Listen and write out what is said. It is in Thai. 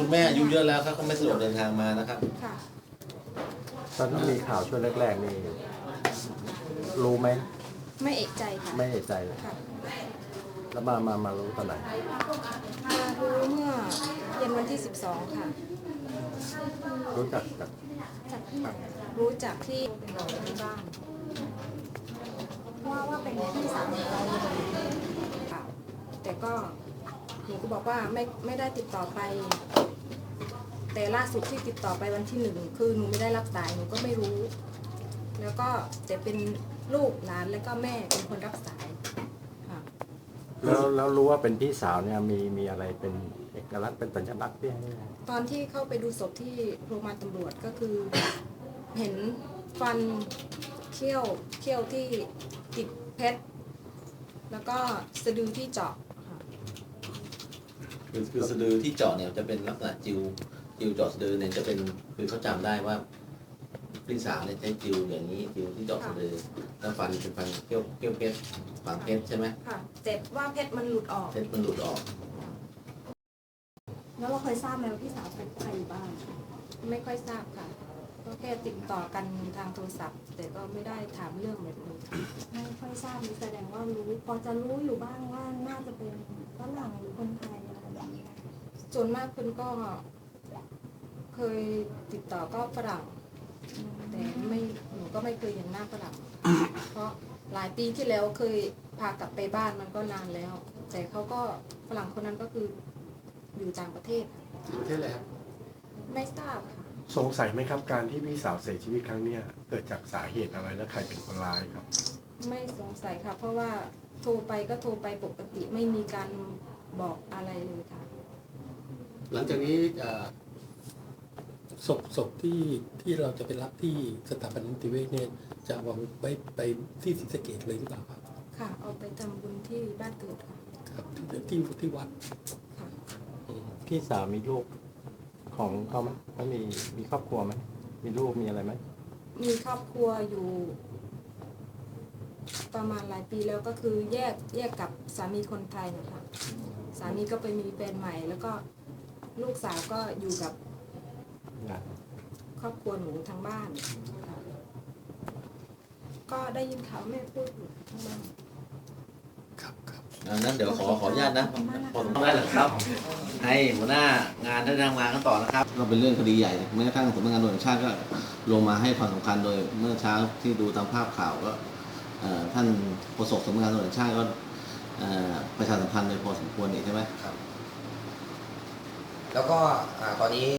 คุณแม่อายุเยอะแล้วครับเขาไม่สะดวกเดินทางมานะครับค่ะตอนที่มีข่าวช่วงแรกๆนี่รู้ไหมไม่เอกใจค่ะไม่เอะใจเลยค่ะแล้วมารู้ตอนไหนมารู้เมื่อเย็นวันที่12ค่ะรู้จักรู้จักที่บอกที่บ้านว่าเป็นพี่สาวของเราค่ะแต่ก็หนูก็บอกว่าไม่ได้ติดต่อไปแต่ล่าสุดที่ติดต่อไปวันที่1คือหนูไม่ได้รับสายหนูก็ไม่รู้แล้วก็แต่เป็นลูกหลานแล้วก็แม่เป็นคนรับสายค่ะแล้วรู้ว่าเป็นพี่สาวเนี่ยมีอะไรเป็นเอกลักษณ์เป็นสัญลักษณ์ที่ให้ตอนที่เข้าไปดูศพที่โรงพยาบาลตำรวจก็คือเห็นฟันเขี้ยวที่ติดเพชรแล้วก็สะดือที่เจาะคือสะดือที่เจาะเนี่ยจะเป็นลักษณะจิวเจาะสะดือเนี่ยจะเป็นคือเขาจำได้ว่าพี่สาวเนี่ยใช้จิวอย่างนี้จิวที่เจาะสะดือแล้วฟันเป็นฟันเขี้ยวเพชรฝังเพชรใช่ไหมค่ะเจ็บว่าเพชรมันหลุดออกเพชรมันหลุดออกแล้วเราเคยทราบไหมว่าพี่สาวเป็นใครอยู่บ้างไม่ค่อยทราบค่ะก็แค่ติดต่อกันทางโทรศัพท์แต่ก็ไม่ได้ถามเรื่องแบบนี้ไม่ค่อยทราบแสดงว่ารู้พอจะรู้อยู่บ้างว่าน่าจะเป็นฝรั่งหรือคนไทยอะไรแบบนี้ส่วนมากคุณก็เคยติดต่อก็ฝรั่งแต่หนูก็ไม่เคยเห็นหน้าฝรั่งเพราะหลายปีที่แล้วเคยพากลับไปบ้านมันก็นานแล้วแต่เขาก็ฝรั่งคนนั้นก็คืออยู่ต่างประเทศประเทศอะไรครับไม่ทราบค่ะสงสัยไหมครับการที่พี่สาวเสียชีวิตครั้งนี้เกิดจากสาเหตุอะไรและใครเป็นคนร้ายครับไม่สงสัยค่ะเพราะว่าโทรไปก็โทรไปปกติไม่มีการบอกอะไรเลยค่ะหลังจากนี้ศพที่เราจะไปรับที่สถาบันนิติเวชเนี่ยจะวางไปที่ศรีสะเกษเลยหรือเปล่าครับค่ะเอาไปทำบุญที่บ้านเกิดค่ะครับที่วัดค่ะพี่สาวมีลูกของเขาไหมเขามีครอบครัวไหมมีลูกมีอะไรไหมมีครอบครัวอยู่ประมาณหลายปีแล้วก็คือแยกกับสามีคนไทยนะคะสามีก็ไปมีแฟนใหม่แล้วก็ลูกสาวก็อยู่กับครอบครัวหนูทางบ้านก็ได้ยินข่าวแม่พูดอยู่ทางบ้านครับนั้นเดี๋ยวขออนุญาตนะพอสมควรแล้วครับให้หัวหน้างานท่านทำงานกันต่อนะครับก็เป็นเรื่องคดีใหญ่แม้กระทั่งสำนักงานตำรวจแห่งชาติก็ลงมาให้ความสำคัญโดยเมื่อเช้าที่ดูตามภาพข่าวก็ท่านโฆษกสำนักงานตำรวจแห่งชาติก็ประชาสัมพันธ์โดยพอสมควรนี่ใช่ไหมครับแล้วก็ตอนนี้